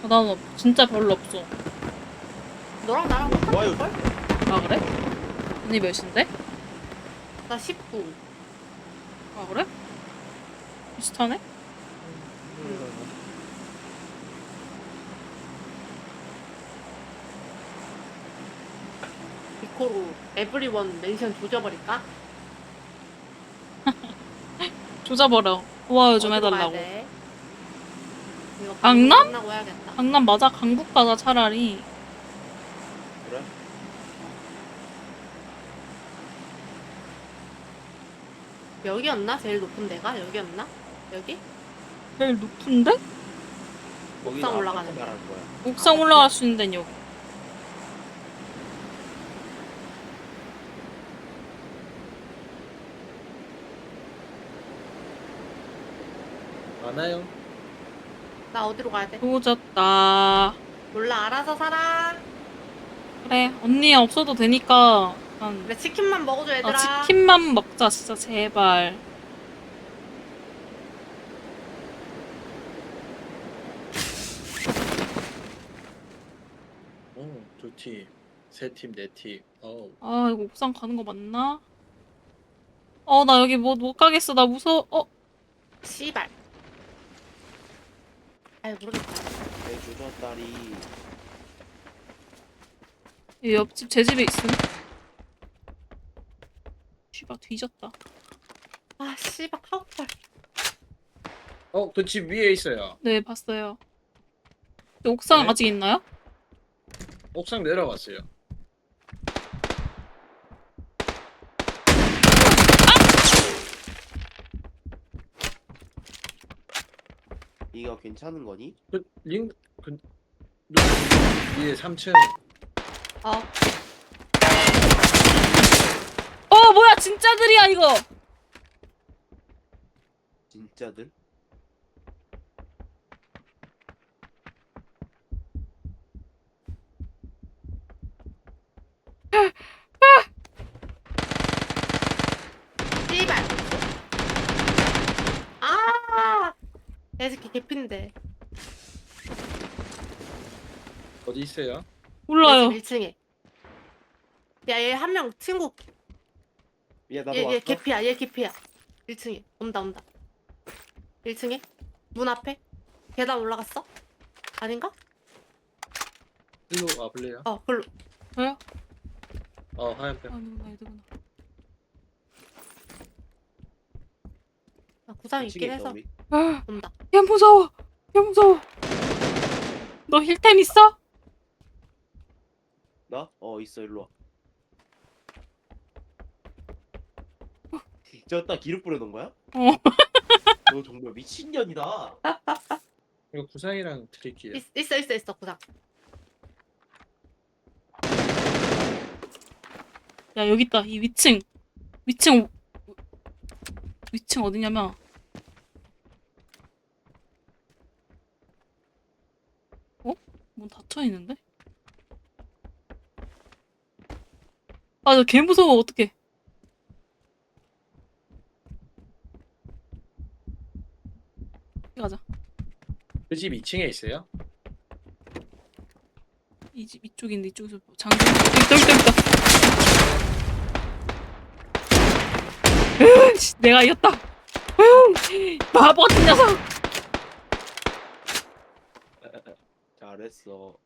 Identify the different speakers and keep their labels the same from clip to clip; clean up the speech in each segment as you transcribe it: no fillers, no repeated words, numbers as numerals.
Speaker 1: 난 진짜 별로 없어.
Speaker 2: 너랑 나랑
Speaker 3: 좋아요.
Speaker 2: 똑같을걸?
Speaker 1: 아, 그래? 언니 몇인데?
Speaker 2: 나 19.
Speaker 1: 아, 그래? 비슷하네?
Speaker 2: 비코로 에브리원 멘션 조져버릴까?
Speaker 1: 조져버려. 좋아요 좀
Speaker 2: 어디로 가야
Speaker 1: 해달라고.
Speaker 2: 돼? 이거 방송
Speaker 1: 강남?
Speaker 2: 끝나고 해야겠다.
Speaker 1: 강남 맞아? 강북 가자, 차라리.
Speaker 3: 그래?
Speaker 2: 여기였나? 제일 높은 데가? 여기였나? 여기?
Speaker 1: 제일 높은데?
Speaker 3: 거기는
Speaker 2: 올라가는
Speaker 3: 아파트 말하는 거야.
Speaker 1: 옥상 올라갈 수 있는 데는 여기.
Speaker 3: 많아요.
Speaker 2: 나 어디로 가야 돼?
Speaker 1: 조졌다.
Speaker 2: 몰라, 알아서 살아.
Speaker 1: 그래, 언니 없어도 되니까.
Speaker 2: 그래, 치킨만 먹어줘, 얘들아.
Speaker 1: 치킨만 먹자, 진짜, 제발.
Speaker 3: 두 팀, 세 팀, 네 팀.
Speaker 1: 아, 이거 옥상 가는 거 맞나? 나 여기 못 가겠어. 나 무서워.
Speaker 2: 씨발. 아유, 모르겠다.
Speaker 3: 내 주전다리.
Speaker 1: 이 옆집 제 집에 있음. 씨발, 뒤졌다.
Speaker 2: 아, 씨발, 카우팔.
Speaker 3: 그 집 위에 있어요.
Speaker 1: 네, 봤어요. 근데 옥상
Speaker 3: 네?
Speaker 1: 아직 있나요?
Speaker 3: 옥상 내려갔어요.
Speaker 4: 이거 괜찮은 거니?
Speaker 3: 그 위에 3층.
Speaker 2: 어,
Speaker 1: 뭐야, 진짜들이야, 이거!
Speaker 4: 진짜들?
Speaker 2: 씨발. 아, 애새끼 개핀데.
Speaker 3: 어디 있어요?
Speaker 1: 몰라요.
Speaker 2: 1층에. 야, 얘 한 명 친구.
Speaker 4: 야 나도
Speaker 2: 얘
Speaker 4: 왔어?
Speaker 2: 개피야, 얘 개피야. 1층에. 온다. 1층에? 문 앞에? 계단 올라갔어? 아닌가?
Speaker 3: 일로 와볼래요?
Speaker 2: 글로.
Speaker 1: 왜요?
Speaker 3: 하얀 편.
Speaker 1: 누구나, 누구나.
Speaker 2: 나 구상이 있긴
Speaker 4: 2층에
Speaker 2: 해서.
Speaker 4: 우리.
Speaker 2: 온다.
Speaker 1: 야, 무서워. 야, 무서워. 너 힐템 있어?
Speaker 4: 나? 있어 일로 와. 저따 기름 뿌려놓은 거야? 너 정말 미친년이다.
Speaker 3: 이거 구상이랑 드릴게요.
Speaker 2: 있어, 구상.
Speaker 1: 야, 여기 있다. 이 위층. 위층 어디냐면. 문 닫혀 있는데? 아, 나 개 무서워. 어떡해. 가자.
Speaker 3: 그 집 2층에 있어요?
Speaker 1: 이 집 이쪽인데 이쪽에서 장전. 있다. 으, 내가 이겼다. 바보 같은 녀석.
Speaker 4: 잘했어.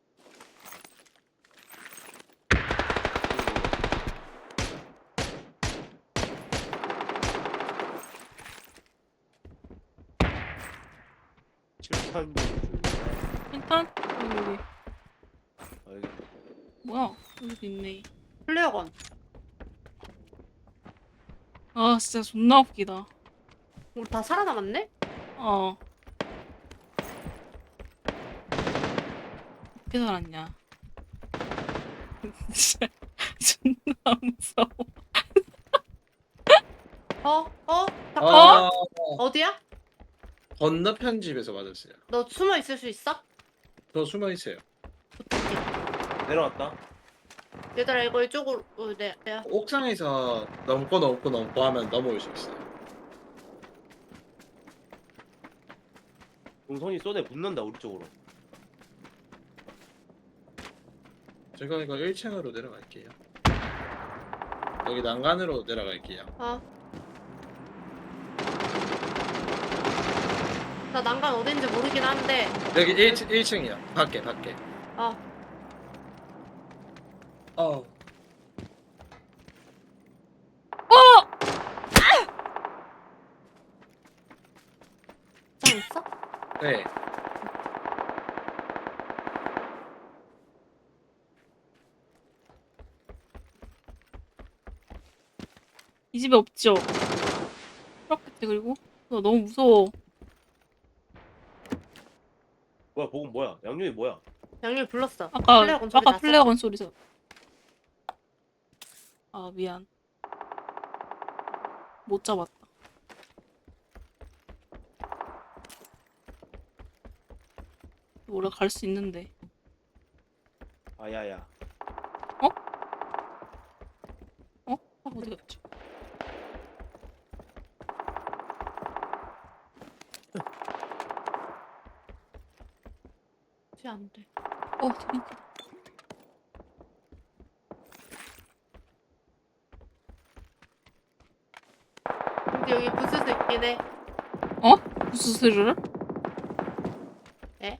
Speaker 4: 칠탄
Speaker 1: 일단 여기.
Speaker 4: 여기.
Speaker 1: 뭐야? 여기도 있네.
Speaker 2: 플레어건.
Speaker 1: 아, 진짜 존나 웃기다.
Speaker 2: 우리 다 살아남았네?
Speaker 1: 어떻게 살았냐? 진짜 존나 무서워.
Speaker 2: 잠깐만. 어디야?
Speaker 3: 건너편 집에서 맞았어요.
Speaker 2: 너 숨어 있을 수 있어?
Speaker 3: 저 숨어 있어요.
Speaker 4: 내려왔다.
Speaker 2: 얘들아, 이거 이쪽으로. 내가.
Speaker 3: 옥상에서 넘고 하면 넘어올 수 있어요.
Speaker 4: 동선이 쏘네 붙는다 우리 쪽으로.
Speaker 3: 제가 이거 1층으로 내려갈게요. 여기 난간으로 내려갈게요.
Speaker 2: 나 난간 어딘지 모르긴 한데.
Speaker 3: 여기 1층이야. 밖에.
Speaker 2: 어.
Speaker 3: 어.
Speaker 2: 장 있어?
Speaker 3: 네.
Speaker 1: 이 집에 없죠? 그렇겠지. 그리고 나 너무 무서워.
Speaker 4: 뭐야 보금 뭐야? 양념이 뭐야?
Speaker 2: 양념이 불렀어.
Speaker 1: 아까
Speaker 2: 플레어건 소리
Speaker 1: 아까
Speaker 2: 났어?
Speaker 1: 플레어건 소리서. 아 미안. 못 잡았다. 원래 갈 수 있는데.
Speaker 4: 아야야.
Speaker 1: 아 어디 갔지?
Speaker 2: 안 돼.
Speaker 1: 재밌다.
Speaker 2: 근데 여기 부스도 있긴 해.
Speaker 1: 무슨 소리를?
Speaker 2: 에?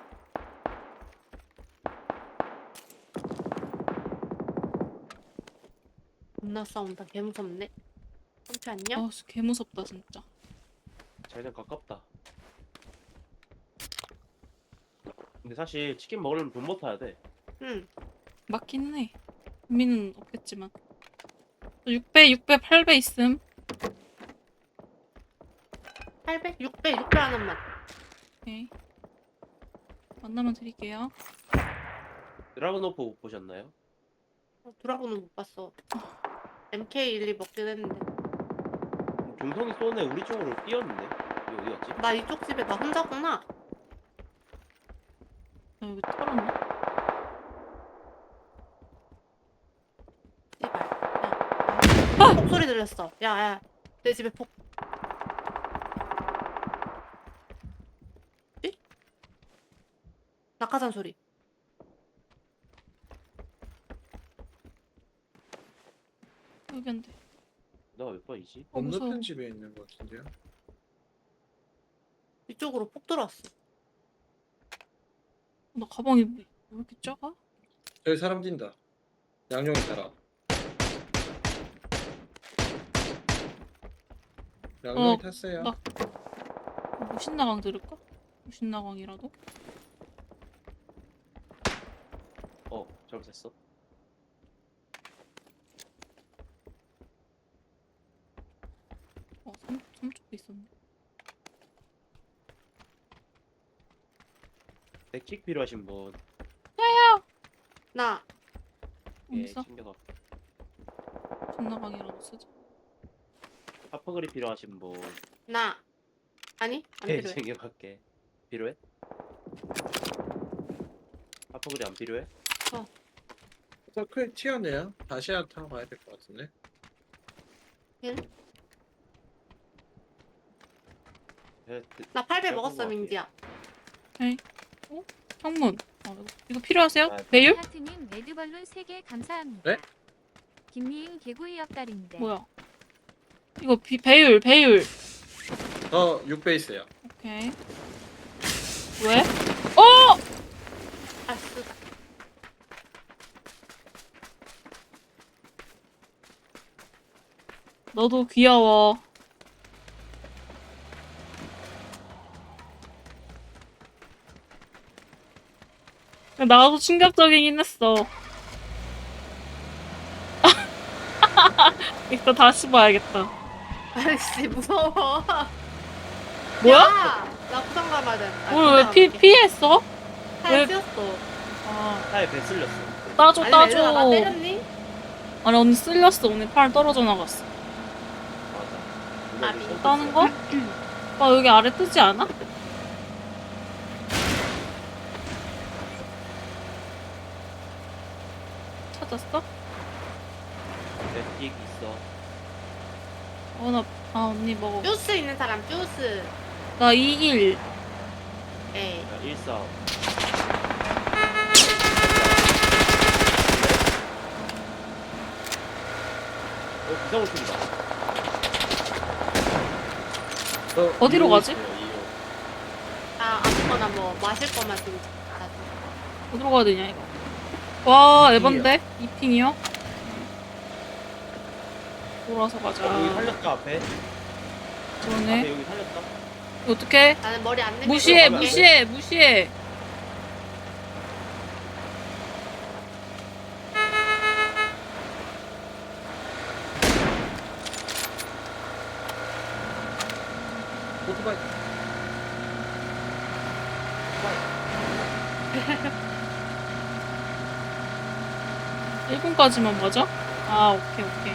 Speaker 2: 겁나 싸운다. 개 무섭네. 삼치 안녕?
Speaker 1: 아, 개 무섭다 진짜.
Speaker 4: 자기장 가깝다. 근데 사실 치킨 먹으려면 돈 못 타야 돼.
Speaker 2: 응.
Speaker 1: 맞긴 해. 의미는 없겠지만. 6배, 8배 있음.
Speaker 2: 800? 600? 600 하나만.
Speaker 1: 오케이. 만나면 드릴게요.
Speaker 4: 드라곤오프 보셨나요?
Speaker 2: 드라곤은 못 봤어. MK12 먹긴 했는데.
Speaker 4: 중성이 쏘네 우리 쪽으로 뛰었는데. 이거 어디 갔지?
Speaker 2: 나 이쪽 집에 나 혼자구나.
Speaker 1: 나 여기 털었나?
Speaker 2: 씨발. 야. 폭 소리 들렸어. 야. 내 집에 폭. 이? 낙하산 소리.
Speaker 1: 여기 안 돼.
Speaker 4: 내가 몇 번이지?
Speaker 1: 무서워.
Speaker 3: 건너편 집에 있는 것 같은데요.
Speaker 2: 이쪽으로 폭 들어왔어.
Speaker 1: 나 가방이 왜 이렇게 작아?
Speaker 3: 저기 사람 뛴다. 양용이 사람. 양용이 탔어요.
Speaker 1: 나- 무신나강 들을까? 무신나강이라도?
Speaker 4: 잘못했어.
Speaker 1: 삼쪽도 있었네.
Speaker 4: 백킥 필요하신 분.
Speaker 2: 나.
Speaker 4: 예,
Speaker 1: 없어?
Speaker 4: 챙겨가.
Speaker 1: 무신나강이라도 쓰자.
Speaker 4: 하프그리 필요하신 분.
Speaker 2: 나. 아니? 안
Speaker 4: 예,
Speaker 2: 필요해.
Speaker 4: 챙겨갈게. 필요해? 하프그리 안 필요해?
Speaker 3: 서클 튀어내요. 다시 타고 가야 될 것 같은데.
Speaker 2: 응?
Speaker 4: 예,
Speaker 2: 나 8배
Speaker 4: 내가
Speaker 2: 먹었어,
Speaker 4: 보고
Speaker 2: 민지야.
Speaker 1: 창문. 이거 필요하세요?
Speaker 4: 아,
Speaker 1: 배율?
Speaker 5: 하트님 레드벌룬 3개 감사합니다.
Speaker 3: 네?
Speaker 5: 김미인 개구이 옆다리인데.
Speaker 1: 뭐야? 이거 배율.
Speaker 3: 저 6배 있어요.
Speaker 1: 오케이. 왜?
Speaker 2: 아, 쓰다.
Speaker 1: 너도 귀여워. 나도 충격적이긴 했어. 이거 다시 봐야겠다.
Speaker 2: 아이씨, 무서워.
Speaker 1: 뭐야?
Speaker 2: 야! 나 부산 가봐야 돼.
Speaker 1: 오늘 왜 피했어?
Speaker 2: 타이어
Speaker 1: 왜-
Speaker 2: 튀었어.
Speaker 1: 아,
Speaker 4: 타에 배 쓸렸어.
Speaker 1: 따줘.
Speaker 2: 아니, 얘들아, 나 때렸니?
Speaker 1: 아니, 언니 쓸렸어. 오늘 팔 떨어져 나갔어.
Speaker 4: 맞아.
Speaker 2: 나비.
Speaker 4: 누가
Speaker 1: 따는 거? 아, 여기 아래 뜨지 않아? 찾았어?
Speaker 4: 백킥 있어.
Speaker 1: 언니 먹어.
Speaker 2: 주스 있는 사람, 주스.
Speaker 1: 나 21.
Speaker 2: 에이.
Speaker 4: 야, 1싸움. 비상호 쪽이다.
Speaker 1: 어디로
Speaker 4: 이호
Speaker 1: 가지?
Speaker 4: 있어요, 이호.
Speaker 2: 아 아무거나 뭐 마실 거만 좀 가져.
Speaker 1: 어디로 가야 되냐 이거. 와 에반데? 이핑이요? 돌아서 가자.
Speaker 4: 여기 살렸다 앞에.
Speaker 1: 그러네.
Speaker 4: 앞에 여기 살렸다.
Speaker 1: 어떡해?
Speaker 2: 나는 머리 안 내밀고
Speaker 1: 무시해
Speaker 2: 갈게.
Speaker 1: 무시해 무시해.
Speaker 3: 오토바이.
Speaker 1: 1분까지만 맞아? 아 오케이 오케이.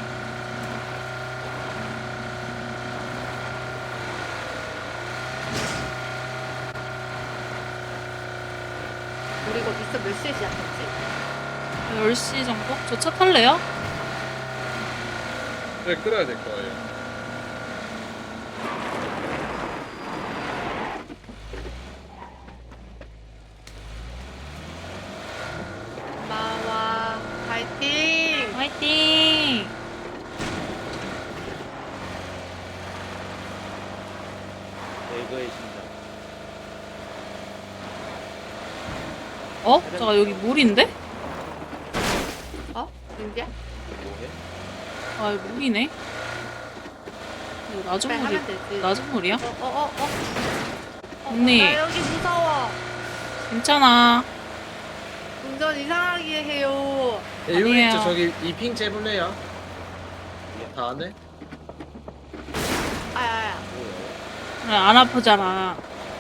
Speaker 2: 우리 이거 미스 몇 시에 시작했지?
Speaker 1: 10시 정도? 저 차 탈래요?
Speaker 3: 네, 끌어야 될 거예요.
Speaker 2: 마와 파이팅!
Speaker 1: 화이팅!
Speaker 4: 이거의 심장.
Speaker 1: 어? 잠깐 여기 물인데?
Speaker 2: 어? 민지야?
Speaker 4: 뭐해?
Speaker 1: 아 여기 물이네. 이거 낮은
Speaker 2: 빨리
Speaker 1: 물이
Speaker 2: 하면 되지.
Speaker 1: 낮은 물이야?
Speaker 2: 어?
Speaker 1: 언니.
Speaker 2: 나 여기 무서워.
Speaker 1: 괜찮아.
Speaker 2: 운전 이상하게 해요.
Speaker 3: 네, 여기
Speaker 1: 아니에요.
Speaker 3: 있죠. 저기 이핑 재볼래요? 다 안 해?
Speaker 2: 아야야.
Speaker 4: 뭐야?
Speaker 1: 그래, 안 아프잖아.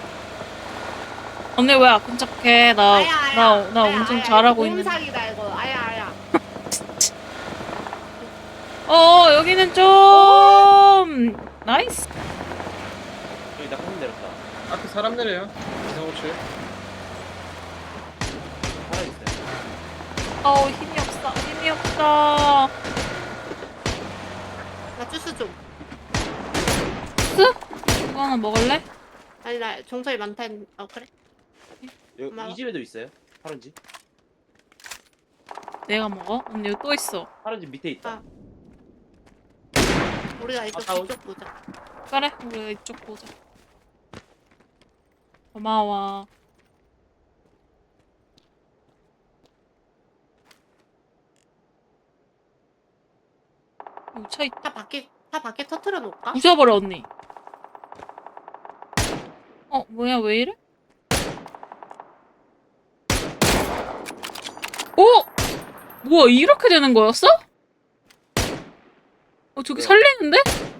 Speaker 1: 언니 왜 아픈 척해? 나 운전 잘하고 있는데.
Speaker 2: 몸삭이다 이거. 아야.
Speaker 1: 여기는 좀 나이스.
Speaker 4: 여기 낙하산 내렸다.
Speaker 3: 앞에 사람 내려요. 비상호출.
Speaker 4: 살아있어요.
Speaker 1: 힘이 없어. 힘이 없어.
Speaker 2: 나 주스 좀.
Speaker 1: 이거 하나 먹을래?
Speaker 2: 아니 나 종소리 많다. 그래?
Speaker 4: 여기
Speaker 2: 고마워.
Speaker 4: 이 집에도 있어요? 파란 집?
Speaker 1: 내가 먹어? 언니 여기 또 있어.
Speaker 4: 파란 집 밑에 있다.
Speaker 2: 아. 우리가 이쪽
Speaker 4: 다운.
Speaker 2: 뒤쪽 보자.
Speaker 1: 그래, 우리가 이쪽 보자. 고마워. 여기 차 있다.
Speaker 2: 차 밖에 터트려 놓을까?
Speaker 1: 부셔버려 언니. 뭐야 왜 이래? 뭐야 이렇게 되는 거였어? 저기
Speaker 4: 뭐야?
Speaker 1: 살리는데?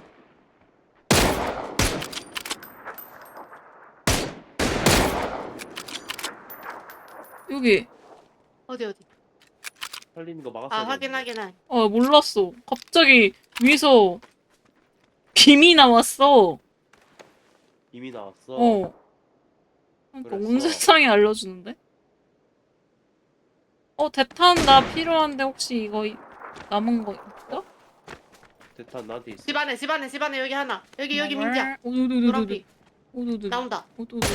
Speaker 1: 여기.
Speaker 2: 어디?
Speaker 4: 살리는 거 막았어.
Speaker 2: 아 확인.
Speaker 1: 몰랐어. 갑자기 위에서 김이 나왔어.
Speaker 4: 이미 나왔어.
Speaker 1: 그러니까
Speaker 4: 그랬어.
Speaker 1: 온 세상에 알려주는데? 대탄 나 필요한데 혹시 이거 남은 거 있어?
Speaker 4: 대탄 나한테 있어.
Speaker 2: 집안에 여기 하나. 여기 민지야. 노란빛
Speaker 1: 오두두두두.
Speaker 2: 나온다.
Speaker 1: 오두두.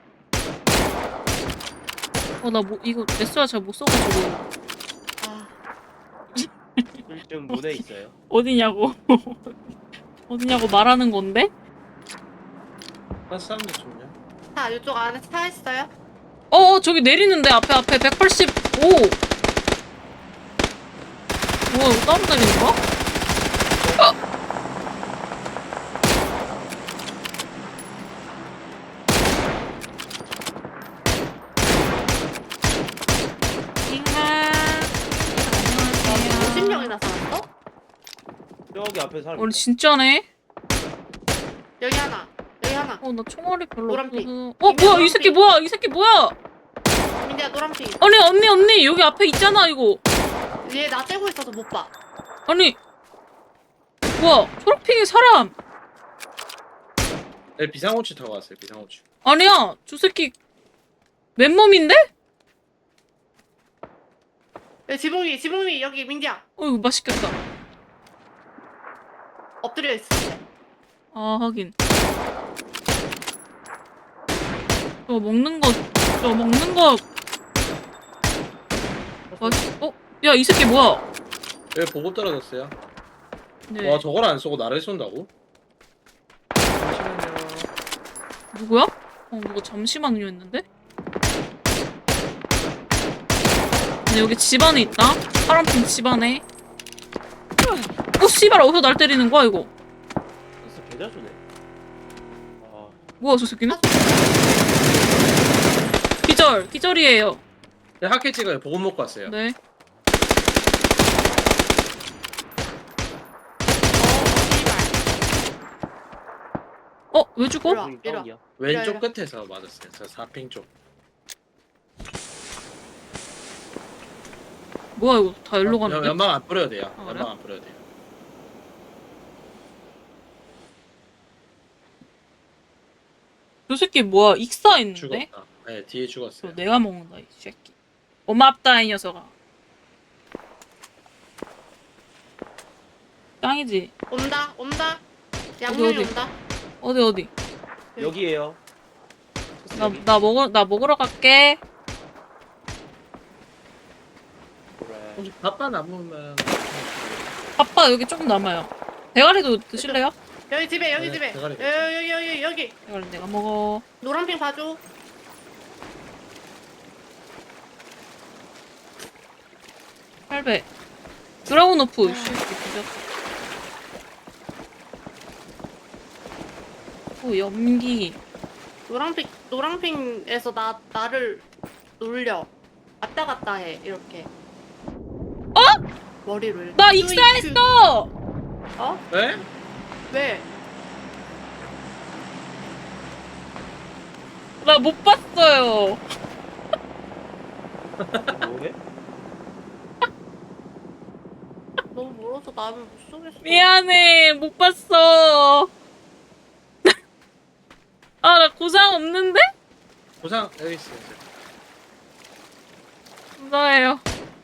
Speaker 1: 나 이거 SR 잘 못 써가지고.
Speaker 2: 아
Speaker 4: 1층 문에 있어요.
Speaker 1: 어디냐고. 어디냐고 말하는 건데?
Speaker 3: 한 사람들 좋냐?
Speaker 2: 차 이쪽 안에 차 있어요?
Speaker 1: 저기 내리는데 앞에 185. 뭐야 이거 따로 내리는 거야? 안녕하세요.
Speaker 2: 50명이나 살았어?
Speaker 4: 저기 앞에 사람.
Speaker 1: 우리 진짜네?
Speaker 2: 여기 하나.
Speaker 1: 나 총알이 별로
Speaker 2: 노란빛.
Speaker 1: 없거든. 뭐야 이 새끼 뭐야 이 새끼 뭐야?
Speaker 2: 민지야 노란빛.
Speaker 1: 언니 여기 앞에 있잖아 이거.
Speaker 2: 얘 나 째고 있어서 못 봐.
Speaker 1: 아니 뭐야 초록핑이 사람.
Speaker 3: 네, 비상호출 타고 왔어요. 비상호출.
Speaker 1: 아니야 저 새끼 맨몸인데?
Speaker 2: 여기 지붕 위 여기 민지야.
Speaker 1: 이거 맛있겠다.
Speaker 2: 엎드려 있어.
Speaker 1: 아 하긴 저거 먹는 거 맛있... 야 이 새끼 뭐야?
Speaker 3: 여기 보급 떨어졌어요.
Speaker 1: 네.
Speaker 3: 와 저걸 안 쏘고 나를 쏜다고?
Speaker 4: 잠시만요.
Speaker 1: 누구야? 누가 잠시만요 했는데? 근데 여기 집 안에 있다. 파란핑 집 안에. 씨발 어디서 날 때리는 거야 이거?
Speaker 4: 진짜 개자수네. 아,
Speaker 1: 뭐야 저 새끼는? 기절이에요.
Speaker 3: 네, 학회 찍어요. 보급 먹고 왔어요.
Speaker 1: 네. 왜 죽어?
Speaker 2: 일로 와.
Speaker 4: 우리 다운이야.
Speaker 3: 왼쪽
Speaker 2: 이리
Speaker 3: 끝에서 맞았어요. 저 4핑 쪽.
Speaker 1: 뭐야 이거 다 일로 가는데?
Speaker 3: 연막 안 뿌려도 돼요.
Speaker 1: 아, 그래요?
Speaker 3: 연막 안 뿌려도 돼요.
Speaker 1: 저 새끼 뭐야 익사 있는데?
Speaker 3: 죽었다. 네 뒤에
Speaker 1: 저
Speaker 3: 죽었어요.
Speaker 1: 내가 먹는다 이 새끼. 고맙다 이 녀석아. 짱이지?
Speaker 2: 온다. 양념이
Speaker 1: 어디?
Speaker 2: 온다.
Speaker 1: 어디?
Speaker 4: 여기에요.
Speaker 1: 나 먹으러 갈게.
Speaker 4: 그래.
Speaker 3: 혹시 밥바 남으면
Speaker 1: 아빠 여기 조금 남아요. 대가리도 드실래요?
Speaker 2: 여기 집에
Speaker 3: 네, 대가리
Speaker 2: 여기
Speaker 1: 대가리 내가 먹어.
Speaker 2: 노란핑 봐줘.
Speaker 1: 팔배. 드라곤 오프. 씨, 뒤졌어. 연기.
Speaker 2: 노란핑에서 나를 놀려. 왔다 갔다 해 이렇게. 머리로 이렇게.
Speaker 1: 나 익사했어.
Speaker 2: 어?
Speaker 3: 네?
Speaker 2: 왜?
Speaker 1: 나 못 봤어요.
Speaker 4: 뭐해?
Speaker 2: 너무 멀어서 나를 못 쏘겠어.
Speaker 1: 미안해, 못 봤어. 아, 나 고상 없는데?
Speaker 3: 보상 여기 있어요.
Speaker 1: 감사해요.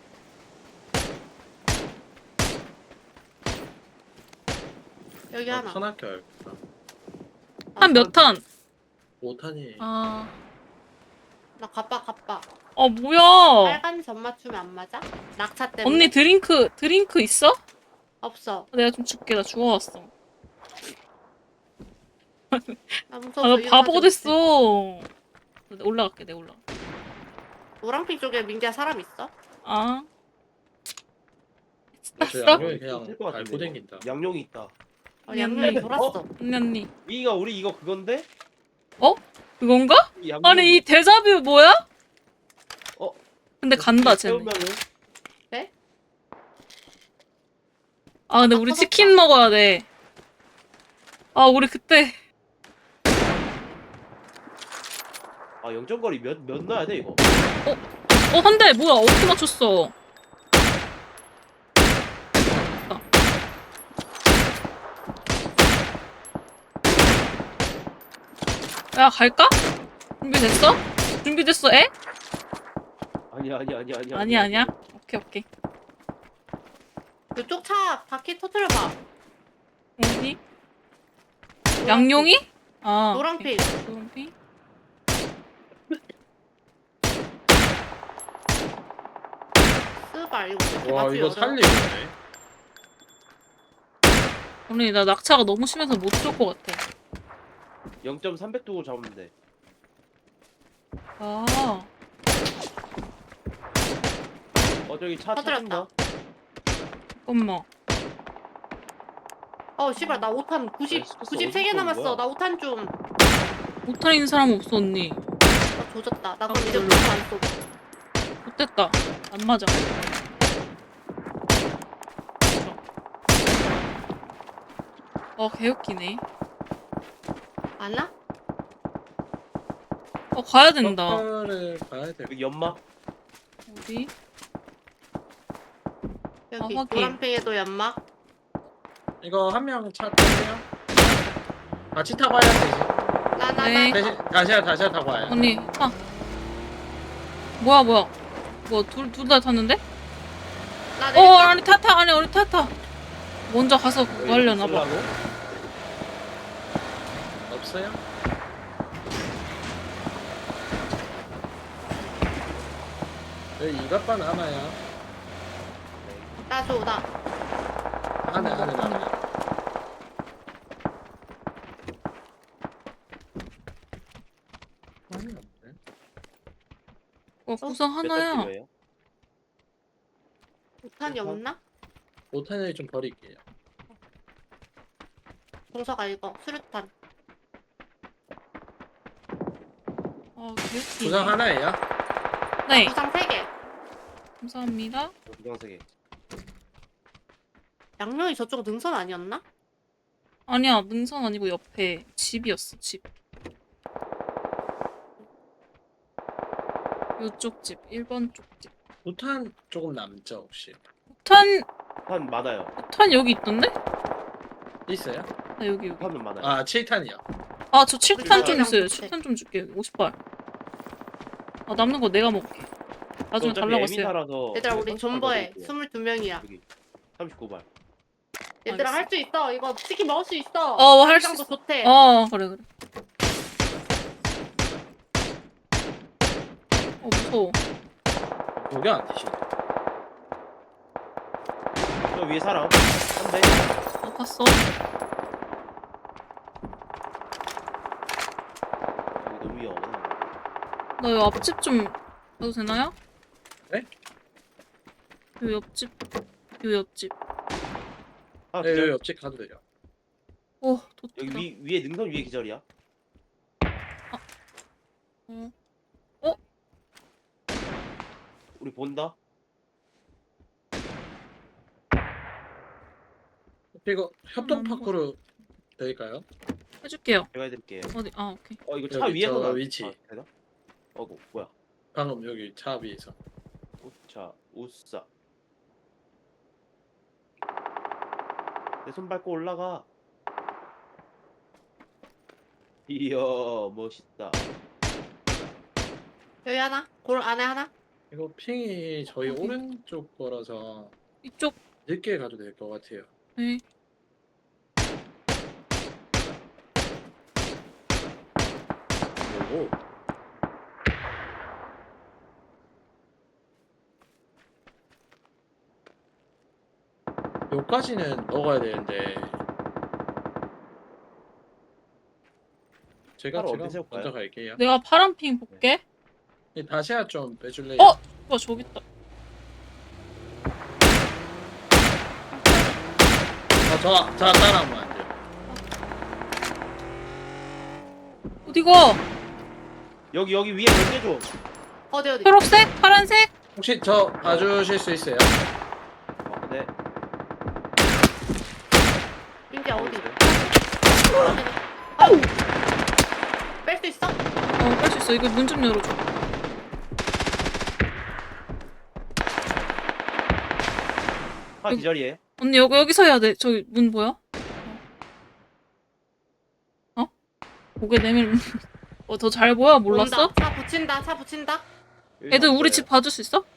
Speaker 2: 여기 하나.
Speaker 3: 천학교 알겠다.
Speaker 1: 한 몇 탄?
Speaker 3: 5탄이.
Speaker 1: 아,
Speaker 2: 나 가빠.
Speaker 1: 뭐야?
Speaker 2: 빨간 점 맞추면 안 맞아? 낙차 때문에.
Speaker 1: 언니 드링크 있어?
Speaker 2: 없어.
Speaker 1: 내가 좀 줄게. 나 죽어왔어.
Speaker 2: 나
Speaker 1: 아,
Speaker 2: 무서워.
Speaker 1: 나
Speaker 2: 이거
Speaker 1: 바보가
Speaker 2: 가지고 있어.
Speaker 1: 됐어. 내가 올라갈게, 내가 올라가.
Speaker 2: 노란핑 쪽에 민기야 사람 있어?
Speaker 1: 아.
Speaker 3: 저
Speaker 1: 봤어?
Speaker 3: 양념이 그냥
Speaker 4: 될것 같은데,
Speaker 3: 밟고 댕긴다.
Speaker 4: 양용이 있다.
Speaker 2: 양념이 돌았어.
Speaker 1: 언니.
Speaker 4: 위가 우리 이거 그건데?
Speaker 1: 그건가?
Speaker 4: 이 양용.
Speaker 1: 아니, 이 데자뷰 뭐야?
Speaker 4: 어?
Speaker 1: 근데 간다, 쟤네.
Speaker 4: 세우면은
Speaker 1: 아, 근데 우리 치킨 먹어야 돼. 아, 우리 그때.
Speaker 4: 아 영점거리 몇 넣어야 돼 이거?
Speaker 1: 한 대, 뭐야, 어떻게 맞췄어? 야, 갈까? 준비됐어? 준비됐어, 애?
Speaker 4: 아니야.
Speaker 1: 아니야. 오케이.
Speaker 2: 그쪽 차 바퀴 터트려봐.
Speaker 1: 어디? 양용이? 아.
Speaker 2: 노란핑.
Speaker 1: 오케이. 노란핑?
Speaker 2: 스발 이거 어떻게
Speaker 3: 와
Speaker 2: 맞추기
Speaker 3: 이거
Speaker 2: 어려워.
Speaker 3: 살리네.
Speaker 1: 언니, 나 낙차가 너무 심해서 못 쏠 것 같아.
Speaker 4: 0.300 두고 잡으면 돼.
Speaker 1: 아.
Speaker 4: 저기 차
Speaker 2: 터뜨렸다.
Speaker 4: 찾는다.
Speaker 1: 잠깐만.
Speaker 2: 씨발 나 5탄 90
Speaker 4: 스커스
Speaker 2: 93개
Speaker 4: 어디서
Speaker 2: 남았어.
Speaker 4: 온 거야?
Speaker 2: 나 5탄 좀.
Speaker 1: 못할 있는 사람 없어, 언니.
Speaker 2: 나 조졌다. 나 그럼 이제
Speaker 1: 별로.
Speaker 2: 5탄 안 쏘고.
Speaker 1: 못됐다. 안 맞아. 개웃기네.
Speaker 2: 안 와?
Speaker 1: 가야 된다.
Speaker 3: 를 가야 돼.
Speaker 4: 여기 연막.
Speaker 1: 어디?
Speaker 2: 여기
Speaker 1: 확인.
Speaker 2: 노란핑에도 연막.
Speaker 3: 이거 한 명 차 타세요. 같이 타고 와야 되지.
Speaker 1: 네.
Speaker 3: 대신 다시야 타고 와요.
Speaker 1: 언니, 타. 뭐야. 뭐, 둘 다 탔는데?
Speaker 2: 나 내릴게.
Speaker 1: 아니, 아니, 우리 타. 먼저 가서 그거 하려나 봐.
Speaker 4: 쓸라고?
Speaker 3: 없어요? 네, 이것만 남아요.
Speaker 2: 나 줘. 나.
Speaker 3: 안에 남아요.
Speaker 1: 구상 하나야.
Speaker 4: 필요해요?
Speaker 2: 우탄이 없나?
Speaker 3: 5탄을 좀 버릴게요.
Speaker 2: 동서가 이거 수류탄.
Speaker 1: 개웃기.
Speaker 3: 구상 하나예요?
Speaker 1: 네,
Speaker 2: 구상 3개.
Speaker 1: 감사합니다.
Speaker 4: 구강세계.
Speaker 2: 양명이 저쪽 능선 아니었나?
Speaker 1: 아니야, 능선 아니고 옆에 집이었어, 집. 요쪽 집, 1번 쪽 집.
Speaker 3: 5탄 조금 남죠 혹시?
Speaker 1: 폭탄,
Speaker 4: 한 많아요.
Speaker 1: 폭탄 여기 있던데?
Speaker 3: 있어요?
Speaker 1: 나 여기.
Speaker 4: 하면 많아요.
Speaker 3: 아 7탄이요.
Speaker 1: 아, 저 7탄 좀
Speaker 2: 우리랑
Speaker 1: 있어요.
Speaker 2: 같이.
Speaker 1: 7탄 좀 줄게. 50발. 아, 남는 거 내가 먹을게. 나중에 달라고 했어요.
Speaker 4: 에미사라서
Speaker 2: 얘들아 우리 존버해.
Speaker 4: 여기
Speaker 2: 22명이야.
Speaker 4: 39발.
Speaker 2: 얘들아 할 수 있어. 이거 치킨 먹을 수 있어.
Speaker 1: 할 수
Speaker 2: 장도
Speaker 1: 있어.
Speaker 2: 좋대.
Speaker 1: 그래, 그래. 무서워.
Speaker 3: 여기 안 되시네.
Speaker 4: 저 위에 사람. 한 대.
Speaker 1: 아팠어.
Speaker 4: 여기 너무 위험해.
Speaker 1: 나 요 앞집 좀 가도 되나요?
Speaker 3: 네?
Speaker 1: 요 옆집. 요 옆집.
Speaker 4: 아,
Speaker 3: 네, 여기
Speaker 4: 기절.
Speaker 3: 옆집 가도 돼요.
Speaker 1: 오,
Speaker 4: 여기
Speaker 1: 도트다.
Speaker 4: 위에 능선 위에 기절이야.
Speaker 1: 어.
Speaker 4: 우리 본다.
Speaker 3: 이거 협동 파크로 될까요?
Speaker 1: 해줄게요.
Speaker 4: 제가 해드릴게요.
Speaker 1: 어디? 오케이.
Speaker 4: 이거 차
Speaker 3: 여기
Speaker 4: 위에서
Speaker 3: 저
Speaker 4: 나.
Speaker 3: 위치.
Speaker 4: 되나? 뭐야?
Speaker 3: 방금 여기 차 위에서.
Speaker 4: 자, 우싸. 내 손 밟고 올라가. 이야, 멋있다.
Speaker 2: 여기 하나. 골 안에 하나.
Speaker 3: 이거 핑이 저희
Speaker 1: 어디?
Speaker 3: 오른쪽 거라서
Speaker 1: 이쪽.
Speaker 3: 늦게 가도 될 것 같아요.
Speaker 1: 네.
Speaker 3: 오. 여기까지는 넣어야 되는데 제가
Speaker 4: 바로 어디 세울까요?
Speaker 3: 먼저 갈게요.
Speaker 1: 내가 파란 핑 볼게.
Speaker 3: 이 다시야 좀 빼줄래요?
Speaker 1: 저기 있다.
Speaker 3: 저 따라하면 안 돼요.
Speaker 1: 어디가?
Speaker 4: 여기 위에 견제 좀.
Speaker 2: 어디.
Speaker 1: 초록색? 파란색?
Speaker 3: 혹시 저 봐주실 수 있어요?
Speaker 4: 네.
Speaker 2: 민기야 어디?
Speaker 4: 어디?
Speaker 2: 뺄 수 있어?
Speaker 1: 뺄 수 있어. 이거 문 좀 열어줘.
Speaker 4: 아, 기절이에요.
Speaker 1: 언니 여기서 해야 돼. 저기 문 보여? 고개 내밀면 더 잘 보여? 몰랐어?
Speaker 2: 온다. 차 붙인다.
Speaker 4: 여기
Speaker 1: 애들 우리
Speaker 4: 없어요.
Speaker 1: 집 봐줄 수 있어?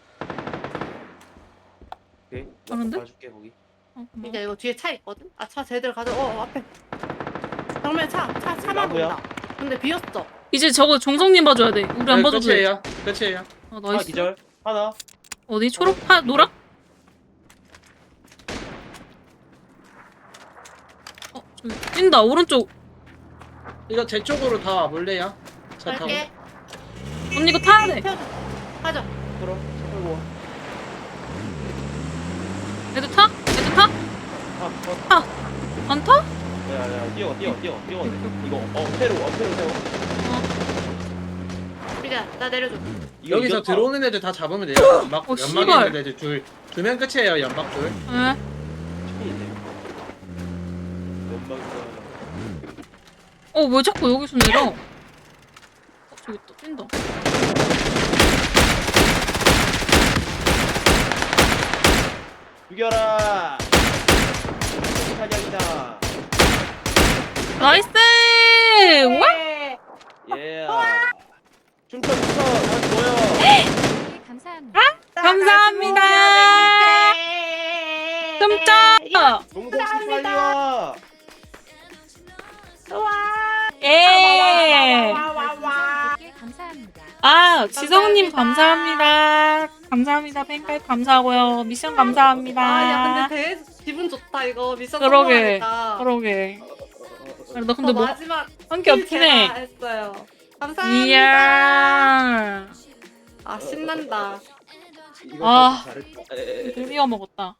Speaker 4: 오케이.
Speaker 1: 하는데?
Speaker 4: 봐줄게 거기.
Speaker 1: 고마워.
Speaker 2: 민기야 이거 뒤에 차 있거든? 차 쟤들 가져. 앞에. 정면 차만
Speaker 4: 나무야?
Speaker 2: 온다. 근데 비었어.
Speaker 1: 이제 저거 종성님 봐줘야 돼. 우리 안
Speaker 3: 네,
Speaker 1: 봐줘도 돼.
Speaker 3: 끝이에요. 끝이에요.
Speaker 4: 아,
Speaker 1: 나이스.
Speaker 4: 기절. 하나.
Speaker 1: 어디? 초록? 노랑? 저기 뛴다. 오른쪽.
Speaker 3: 이거 제 쪽으로 다 와볼래요? 차 타고.
Speaker 2: 갈게.
Speaker 1: 언니 이거 타야 돼.
Speaker 2: 태워줘. 가자.
Speaker 4: 끌어. 끌고 와.
Speaker 1: 애들 타? 애들 타?
Speaker 4: 아,
Speaker 1: 안 타?
Speaker 4: 야, 뛰어. 이거 엄폐로 세워.
Speaker 2: 민기야 나 내려줘.
Speaker 4: 이거
Speaker 3: 여기서
Speaker 4: 이겼다.
Speaker 3: 들어오는 애들 다 잡으면 돼요. 연막
Speaker 1: 씨발.
Speaker 3: 있는 애들 두명 끝이에요. 연막 둘.
Speaker 1: 네.
Speaker 4: 치킨인데. 연막이다.
Speaker 1: 왜 자꾸 여기서 내려? 저기 있다. 뛴다.
Speaker 4: 죽여라. 사냥이다.
Speaker 1: 나이스! 와!
Speaker 4: 예. 춤춰. 다시 모여.
Speaker 5: 네, 감사합니다.
Speaker 1: 감사합니다. 끔짝!
Speaker 4: 동동 씨 빨리 와.
Speaker 1: 예!
Speaker 2: 와와와.
Speaker 5: 감사합니다.
Speaker 1: 지성님 감사합니다. 감사합니다. 팬카입 감사하고요. 미션 감사합니다.
Speaker 2: 야 근데 되게 기분 좋다 이거 미션
Speaker 1: 그러게.
Speaker 2: 성공하니까.
Speaker 1: 그러게. 나 근데 뭐
Speaker 2: 마지막
Speaker 1: 한 게 없긴 해.
Speaker 2: 제가 했어요. 감사합니다.
Speaker 1: 이야.
Speaker 2: 아 신난다.
Speaker 4: 이거
Speaker 1: 아.
Speaker 4: 잘했다.
Speaker 1: 드디어 먹었다.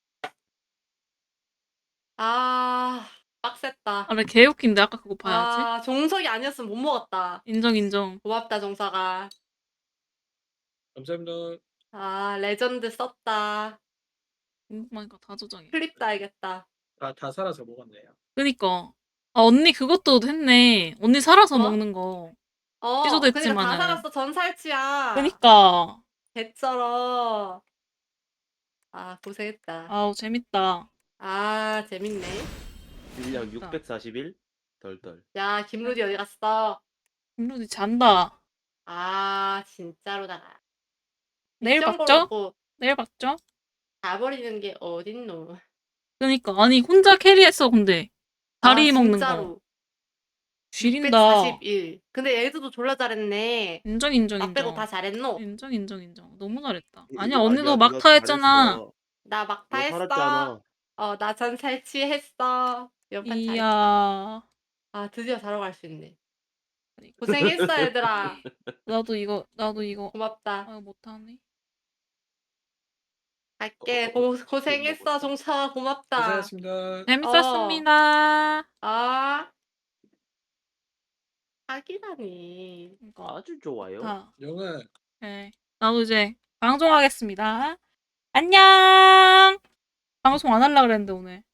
Speaker 2: 아 빡셌다.
Speaker 1: 아, 나 개웃긴데 아까 그거 봐야지.
Speaker 2: 아 종석이 아니었으면 못 먹었다.
Speaker 1: 인정 인정.
Speaker 2: 고맙다 종석아.
Speaker 3: 감사합니다.
Speaker 2: 아 레전드 썼다.
Speaker 1: 궁금하니까 다 저장해.
Speaker 2: 클립 따야겠다.
Speaker 3: 다 살아서 먹었네요.
Speaker 1: 그니까. 아, 언니 그것도 했네. 언니 살아서
Speaker 2: 뭐?
Speaker 1: 먹는 거.
Speaker 2: 어
Speaker 1: 취소도
Speaker 2: 그러니까 다
Speaker 1: 했지만은.
Speaker 2: 살았어. 전살치야.
Speaker 1: 그니까.
Speaker 2: 개쩔어. 아 고생했다.
Speaker 1: 아우, 재밌다.
Speaker 2: 아 재밌네.
Speaker 4: 분량 641 덜덜.
Speaker 2: 야 김루디 어디 갔어?
Speaker 1: 김루디 잔다.
Speaker 2: 아 진짜로다가.
Speaker 1: 내일
Speaker 2: 미션
Speaker 1: 봤죠?
Speaker 2: 걸어놓고
Speaker 1: 내일 봤죠?
Speaker 2: 가버리는 게 어딨노?
Speaker 1: 그니까. 아니, 혼자 캐리했어, 근데. 다리
Speaker 2: 아,
Speaker 1: 먹는 거.
Speaker 2: 진짜로.
Speaker 1: 지린다.
Speaker 2: 641. 근데 얘들도 졸라 잘했네.
Speaker 1: 인정, 인정,
Speaker 2: 나 빼고
Speaker 1: 인정.
Speaker 2: 다 잘했노?
Speaker 1: 인정, 인정, 인정. 너무 잘했다.
Speaker 4: 이거
Speaker 1: 아니야, 언니도
Speaker 4: 아니야,
Speaker 1: 막타
Speaker 4: 네가
Speaker 1: 했잖아.
Speaker 4: 잘했어.
Speaker 2: 나 막타
Speaker 4: 너
Speaker 2: 했어.
Speaker 4: 살았잖아.
Speaker 2: 나 전살치했어. 연판 잘했어.
Speaker 1: 이야.
Speaker 2: 아 드디어 자러 갈 수 있네.
Speaker 1: 그러니까.
Speaker 2: 고생했어 얘들아.
Speaker 1: 나도 이거.
Speaker 2: 고맙다.
Speaker 1: 아, 못하네.
Speaker 2: 갈게. 고생했어 종차 고맙다.
Speaker 3: 고생하셨습니다.
Speaker 1: 재밌었습니다.
Speaker 2: 아 사기라니.
Speaker 1: 그러니까.
Speaker 4: 아주 좋아요.
Speaker 1: 다.
Speaker 3: 영은
Speaker 1: 네. 나도 이제 방송하겠습니다. 안녕. 방송 안 하려고 그랬는데 오늘.